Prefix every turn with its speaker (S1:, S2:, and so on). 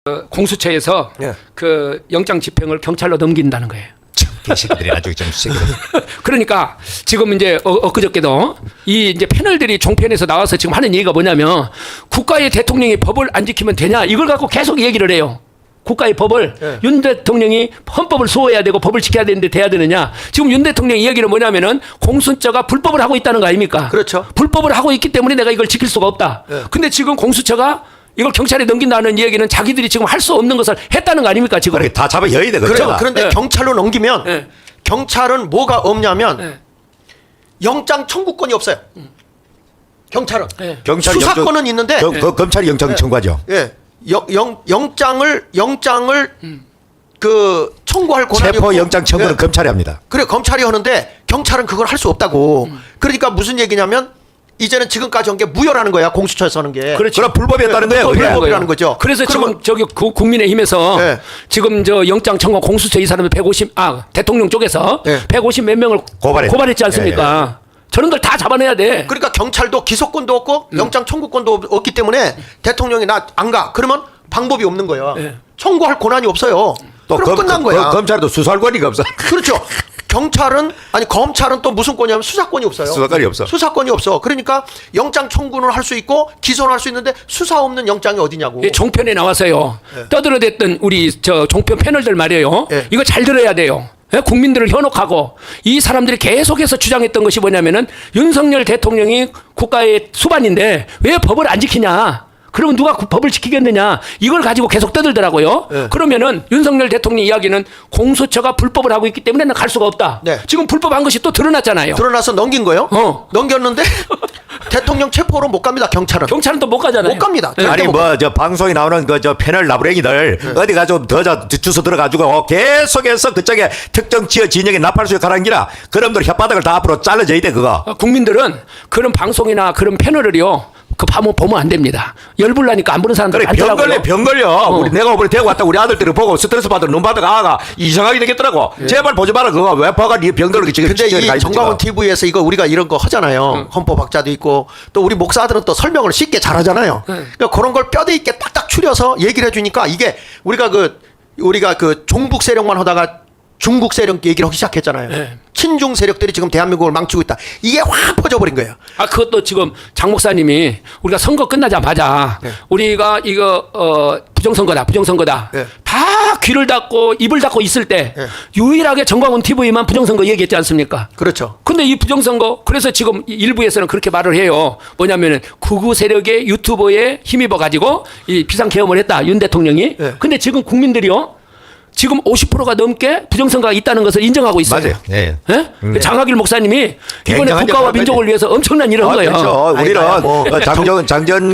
S1: 공수처에서
S2: 예.
S1: 그 영장 집행을 경찰로 넘긴다는 거예요.
S3: 개새끼들이 아주 좀
S1: 그러니까 지금 이제 엊그저께도 이 이제 패널들이 종편에서 나와서 지금 하는 얘기가 뭐냐면 국가의 대통령이 법을 안 지키면 되냐 이걸 갖고 계속 얘기를 해요. 국가의 법을 윤 대통령이 헌법을 수호해야 되고 법을 지켜야 되는데 돼야 되느냐. 지금 윤 대통령 이야기는 뭐냐면은 공수처가 불법을 하고 있다는 거 아닙니까?
S2: 그렇죠.
S1: 불법을 하고 있기 때문에 내가 이걸 지킬 수가 없다. 근데 지금 공수처가 이걸 경찰에 넘긴다는 이야기는 자기들이 지금 할 수 없는 것을 했다는 거 아닙니까 지금?
S3: 그렇게 다 잡아여야 돼.
S2: 그런데 경찰로 넘기면
S1: 네.
S2: 경찰은 뭐가 없냐면
S1: 네.
S2: 영장 청구권이 없어요. 경찰은
S3: 경찰
S2: 수사권은 있는데
S3: 검찰이 영장 청구하죠.
S2: 예. 영장을 그 청구할 권한이
S3: 체포
S2: 없고.
S3: 영장 청구는
S2: 예.
S3: 검찰이 합니다.
S2: 그래 검찰이 하는데 경찰은 그걸 할 수 없다고. 그러니까 무슨 얘기냐면 이제는 지금까지 한 게 무효라는 거야. 공수처에서 하는 게.
S1: 그렇죠.
S3: 그럼 불법이었다는 거예요. 그게.
S2: 불법이라는 거죠.
S1: 그래서
S2: 그러면
S1: 지금 저기 국민의힘에서
S2: 네.
S1: 지금 저 영장 청구 공수처 이 사람들 대통령 쪽에서
S2: 네.
S1: 150 몇 명을 고발했지 않습니까? 저런 걸 다 잡아내야 돼.
S2: 그러니까 경찰도 기소권도 없고 영장 청구권도 없기 때문에 대통령이 나 안 가. 그러면 방법이 없는 거예요.
S1: 네.
S2: 청구할 권한이 없어요. 그럼 끝난 거야.
S3: 검찰도 수사할 권리가 없어.
S2: 그렇죠. 검찰은 또 무슨 권이냐면 수사권이 없어요.
S3: 수사권이 없어.
S2: 수사권이 없어. 그러니까 영장 청구는 할 수 있고 기소는 할 수 있는데 수사 없는 영장이 어디냐고.
S1: 예, 종편에 나와서요. 떠들어댔던 우리 저 종편 패널들 말이에요.
S2: 예.
S1: 이거 잘 들어야 돼요. 예, 국민들을 현혹하고 이 사람들이 계속해서 주장했던 것이 뭐냐면은 윤석열 대통령이 국가의 수반인데 왜 법을 안 지키냐. 그러면 누가 법을 지키겠느냐. 이걸 가지고 계속 떠들더라고요.
S2: 네.
S1: 그러면은 윤석열 대통령 이야기는 공수처가 불법을 하고 있기 때문에 갈 수가 없다.
S2: 네.
S1: 지금 불법한 것이 또 드러났잖아요.
S2: 드러나서 넘긴 거예요. 넘겼는데 대통령 체포로 못 갑니다. 경찰은.
S1: 경찰은 또 못 가잖아요.
S2: 못 갑니다.
S1: 네.
S3: 아니
S2: 못
S3: 뭐 저 방송에 나오는 그 저 패널 나부랭이들 어디 가서 더 주소 들어가지고 계속해서 그쪽에 특정 지역 진영에 나팔수에 가라는 기라 그놈들 혓바닥을 다 앞으로 잘라줘야 돼 그거.
S1: 국민들은 그런 방송이나 그런 패널을요. 그 보면 안 됩니다. 열불 나니까 안 보는 사람들
S3: 그래
S1: 많더라고요.
S3: 병 걸려. 우리 내가 오늘 대구 왔다 우리 아들들을 보고 스트레스 받으러 눈 받아가 아가 이상하게 되겠더라고. 제발 보지 마라 그거 왜 봐가 네 병들게 지금.
S2: 근데 이 정광훈 TV에서 이거 우리가 이런 거 하잖아요. 헌법학자도 있고 또 우리 목사들은 또 설명을 쉽게 잘하잖아요. 그러니까 그런 걸 뼈대 있게 딱딱 추려서 얘기를 해주니까 이게 우리가 그 종북 세력만 하다가 중국 세력 얘기를 하기 시작했잖아요.
S1: 네.
S2: 친중 세력들이 지금 대한민국을 망치고 있다. 이게 확 퍼져버린 거예요.
S1: 그것도 지금 장 목사님이 우리가 선거 끝나자마자 우리가 이거 부정선거다.
S2: 네.
S1: 다 귀를 닫고 입을 닫고 있을 때 유일하게 정광훈 TV만 부정선거 얘기했지 않습니까?
S2: 그렇죠.
S1: 근데 이 부정선거 그래서 지금 일부에서는 그렇게 말을 해요. 뭐냐면은 극우 세력의 유튜버에 힘입어 가지고 이 비상계엄을 했다. 윤 대통령이.
S2: 네.
S1: 근데 지금 국민들이요. 지금 50%가 넘게 부정선거가 있다는 것을 인정하고 있어요.
S3: 맞아요. 예.
S1: 예? 장학일 목사님이 이번에
S3: 굉장한
S1: 국가와
S3: 역할을
S1: 민족을 위해서 엄청난 일을 한 거예요.
S3: 그렇죠. 우리는
S2: 아니,
S3: 장전